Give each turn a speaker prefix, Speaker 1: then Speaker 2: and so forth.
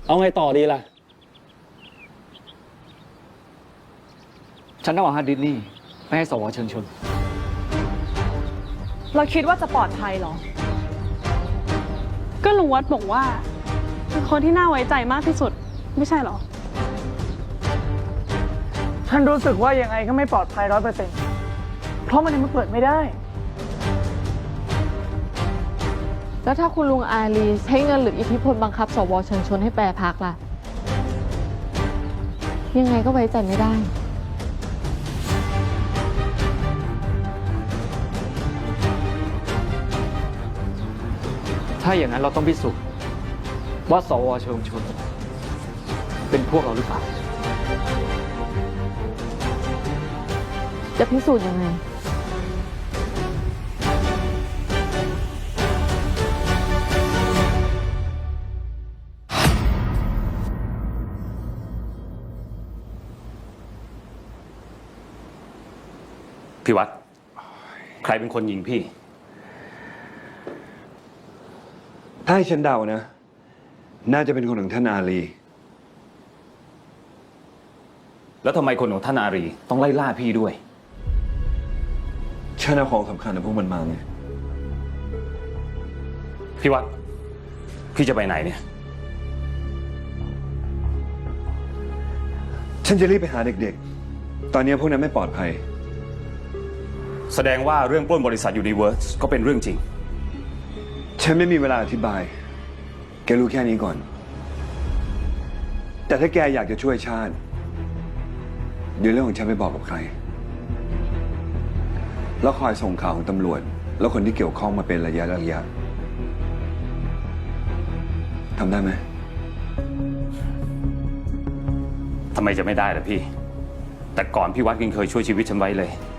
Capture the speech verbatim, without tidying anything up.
Speaker 1: เอาไงต่อดีล่ะ
Speaker 2: ฉันต้องเอาฮาร์ดดิสก์นี่ไปให้สวเชิญชวน
Speaker 3: เราคิดว่าจะปลอดภัยเหรอ
Speaker 4: ก็ลุงวัดบอกว่าเป็นคนที่น่าไว้ใจมากที่สุดไม่ใช่เหรอ
Speaker 5: ฉันรู้สึกว่ายังไงก็ไม่ปลอดภัยร้อยเปอร์เซ็นต์เพราะมันยังมันเปิดไม่ได้
Speaker 6: แล้วถ้าคุณลุงอารีใช้เงินหรืออิทธิพลบังคับสวเชิญชวนให้แปรพักล่ะ ยังไงก็ไว้ใจไม่ได้
Speaker 2: ถ้าอย่างนั้นเราต้องพิสูจน์ว่าสวเชิญชวนเป็นพวกเราหรือเปล่า
Speaker 6: จะพิสูจน์ยังไง
Speaker 1: พี่วัดใครเป็นคนยิงพี่
Speaker 7: ถ้าให้ฉันเดานะ น่าจะเป็นคนของท่านอาลี
Speaker 1: แล้วทำไมคนของท่านอารีต้องไล่ล่าพี่ด้วย
Speaker 7: ฉันเอาของสำคัญของพวกมันมาไง
Speaker 1: พี่วัดพี่จะไปไหนเนี่ย
Speaker 7: ฉันจะรีบไปหาเด็กๆ ตอนนี้พวกนั้นไม่ปลอดภัย
Speaker 1: แสดงว่าเรื่องปล้นบริษัทยูนิเวิร์สก็เป็นเรื่องจริง
Speaker 7: ฉันไม่มีเวลาอธิบาย แกรู้แค่นี้ก่อน แต่ถ้าแกอยากจะช่วยชาติเดี๋ยวเรื่องของฉันไม่บอกกับใคร แล้วคอยส่งข่าวของตำรวจ แล้วคนที่เกี่ยวข้องมาเป็นระยะระยะทำได้ไหม
Speaker 1: ทำไมจะไม่ได้ล่ะพี่ แต่ก่อนพี่วัดยังเคยช่วยชีวิตฉันไว้เลย